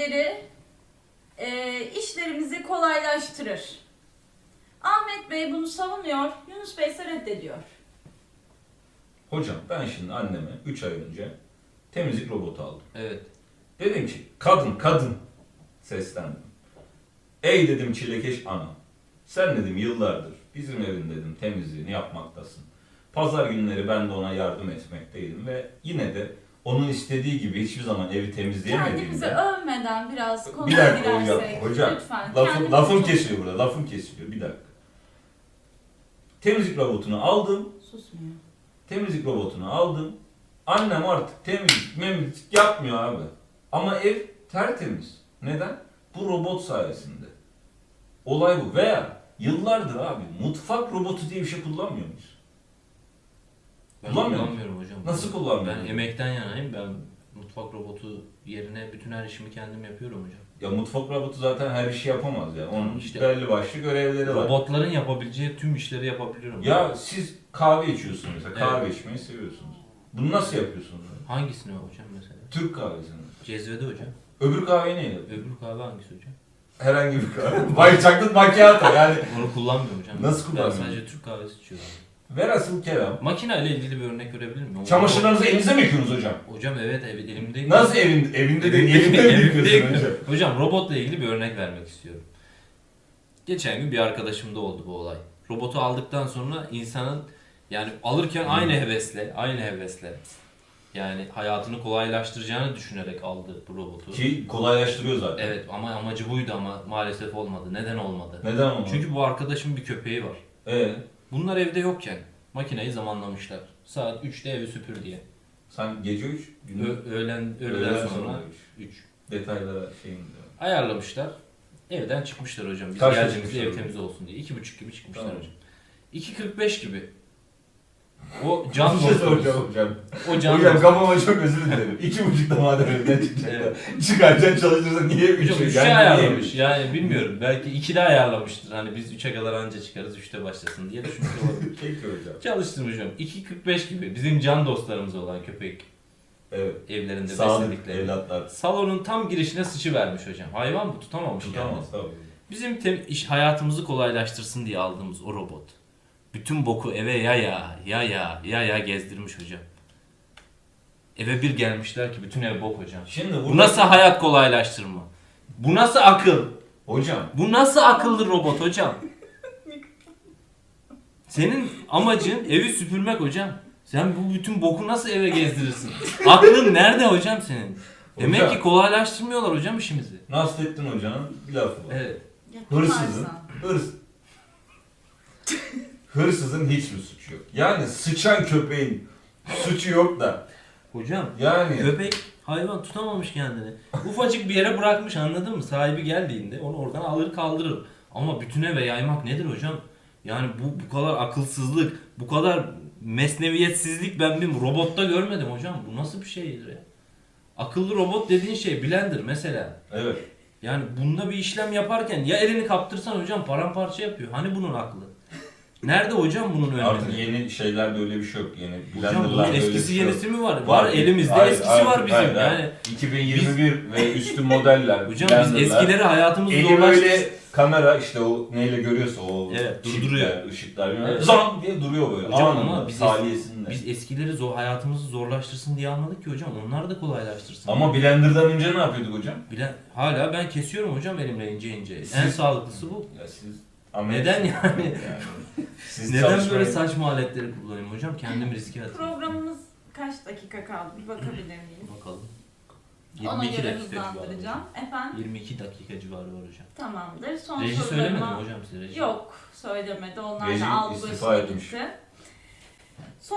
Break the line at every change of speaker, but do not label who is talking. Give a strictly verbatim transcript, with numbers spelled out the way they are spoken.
evleri e, işlerimizi kolaylaştırır. Ahmet Bey bunu savunuyor, Yunus Bey ise reddediyor.
Hocam ben şimdi anneme üç ay önce temizlik robotu aldım.
Evet.
Dedim ki kadın kadın seslendim. Ey dedim çilekeş ana. Sen dedim yıllardır bizim evin dedim temizliğini yapmaktasın. Pazar günleri ben de ona yardım etmekteydim ve yine de onun istediği gibi hiçbir zaman evi
Kendimizi
temizleyemediğimde...
övmeden biraz
Bir
konuya
dakika hocam,
girersek.
hocam
Lütfen.
lafım,
Kendimizi
lafım
çok-
kesiliyor burada, lafım kesiliyor bir dakika. Temizlik robotunu aldım,
Susmuyor.
temizlik robotunu aldım. Annem artık temizlik, memizlik yapmıyor abi. Ama ev tertemiz. Neden? Bu robot sayesinde. Olay bu. Veya yıllardır abi mutfak robotu diye bir şey kullanmıyor muyuz?
Ben
Kullanmıyor
kullanmıyorum hocam.
Nasıl kullanmıyorsun?
Ben emekten yanayım. Ben mutfak robotu yerine bütün her işimi kendim yapıyorum hocam.
Ya mutfak robotu zaten her işi yapamaz ya. Onun
İşte
belli başlı görevleri var.
Robotların yapabileceği tüm işleri yapabiliyorum.
Ya siz kahve içiyorsunuz mesela. Kahve
Evet.
içmeyi seviyorsunuz. Bunu nasıl yapıyorsunuz?
Hangisini hocam mesela?
Türk kahvesini.
Cezvede hocam.
Öbür kahveyi neyle yapıyorsun?
Öbür kahve hangisi hocam?
Herhangi bir kahve. White chocolate macchiato yani.
Onu kullanmıyorum hocam.
Nasıl
Ben
kullanmıyorsun?
sadece Türk kahvesi içiyorum.
Velhasıl kelam.
Makine ile ilgili bir örnek verebilir miyim?
Çamaşırlarınızı elinize mi yıkıyorsunuz hocam?
Hocam evet ev, elimde.
Nasıl evin, evinde de elinde mi
Evimde
yıkıyorsun hocam?
Hocam robotla ilgili bir örnek vermek istiyorum. Geçen gün bir arkadaşımda oldu bu olay. Robotu aldıktan sonra insanın yani alırken
Hmm.
aynı hevesle, aynı hevesle yani hayatını kolaylaştıracağını düşünerek aldı bu robotu.
Ki kolaylaştırıyor zaten.
Evet ama amacı buydu ama maalesef olmadı. Neden olmadı?
Neden olmadı?
Çünkü bu arkadaşın bir köpeği var.
Ee,
Bunlar evde yokken makineyi zamanlamışlar. Saat üçte evi süpür diye.
sen gece üç, gündüz
Ö- öğlen öğleden
öğleden
sonra
üç.
üç.
Detaylara şeyim diyor.
Ayarlamışlar. Evden çıkmışlar hocam. Biz
Kaçta
geldiğimizde
çıkmışlar
ev
hocam?
temiz olsun diye. iki buçuk gibi çıkmışlar
Tamam.
hocam. iki kırk beş gibi. O can
Bir şey
dostumuz.
soracağım hocam.
O can
Hocam
dostumuz.
kafama çok özür dilerim. İki buçukta madem evden çıkacaklar. Çıkarken çalışırsa niye üç?
Hocam üçte ayarlamış. Yani bilmiyorum. Belki ikide ayarlamıştır. Hani biz üçe kadar anca çıkarız. Üçte başlasın diye düşünmüş olabilir.
Peki hocam.
Çalıştım hocam. iki kırk beş gibi. Bizim can dostlarımız olan köpek
Evet.
evlerinde
Sağlık
besledikleri.
evlatlar.
Salonun tam girişine sıçıvermiş hocam. Hayvan bu tutamamış
Tutamaz
kendini.
tabii.
Bizim tem- iş hayatımızı kolaylaştırsın diye aldığımız o robot. Bütün boku eve ya ya ya ya ya ya gezdirmiş hocam. Eve bir gelmişler ki bütün ev bok hocam.
Şimdi burada...
Bu nasıl hayat kolaylaştırma? Bu nasıl akıl?
Hocam.
Bu nasıl akıllı robot hocam? Senin amacın evi süpürmek hocam. Sen bu bütün boku nasıl eve gezdirirsin? Aklın nerede hocam senin? Demek
Hocam.
ki kolaylaştırmıyorlar hocam işimizi.
Nasrettin Hoca'nın bir lafı var.
Evet.
Hırsızın, hırs... Hırsızın hiç mi suçu yok? Yani sıçan köpeğin suçu yok da.
Hocam
Yani
köpek hayvan tutamamış kendini. Ufacık bir yere bırakmış anladın mı? Sahibi geldiğinde onu oradan alır kaldırır. Ama bütün eve yaymak nedir hocam? Yani bu bu kadar akılsızlık, bu kadar mesneviyetsizlik ben bir robotta görmedim hocam. Bu nasıl bir şeydir ya? Akıllı robot dediğin şey blender mesela.
evet.
Yani bunda bir işlem yaparken ya elini kaptırsan hocam paramparça yapıyor. Hani bunun aklı? Nerede hocam bunun önemi?
Artık yeni şeylerde öyle bir şey yok. Yeni
Hocam bunun
blenderlarda öyle bir
eskisi
şey yok.
yenisi mi var? Var, elimizde
Hayır,
eskisi
hayır,
var bizim.
hayır, hayır.
Yani
iki bin yirmi bir ve üstü modeller.
hocam
blenderlar.
biz eskileri hayatımızı
Eli
zorlaştırdık.
böyle kamera işte o neyle görüyorsa o
Evet,
çipler,
durduruyor.
ışıklar bilmem ne.
Evet.
Zam diye duruyor böyle.
Hocam
Anında,
ama biz,
saliyesinde.
biz eskileri zor, hayatımızı zorlaştırsın diye anladık ki hocam. Onlar da kolaylaştırsın.
Ama blenderdan önce ne yapıyorduk hocam?
Bile, hala ben kesiyorum hocam elimle ince ince.
Siz-
En sağlıklısı bu.
Ya siz
Neden yani?
Siz
Neden böyle
çalışmayın.
saçma aletleri kullanayım hocam? Kendimi riske atayım.
Programımız kaç dakika kaldı? Bir bakabilir miyim?
Bakalım.
Ona
yirmi iki
göre
dakika civarı.
hızlandıracağım. Efendim?
yirmi iki dakika civarı var hocam.
Tamamdır. Son
Reji
sorularıma-
söylemedi mi hocam size? Reji?
Yok, söylemedi. Onlar
Reji
da aldı
istifa
başına
etmiş.
gitti.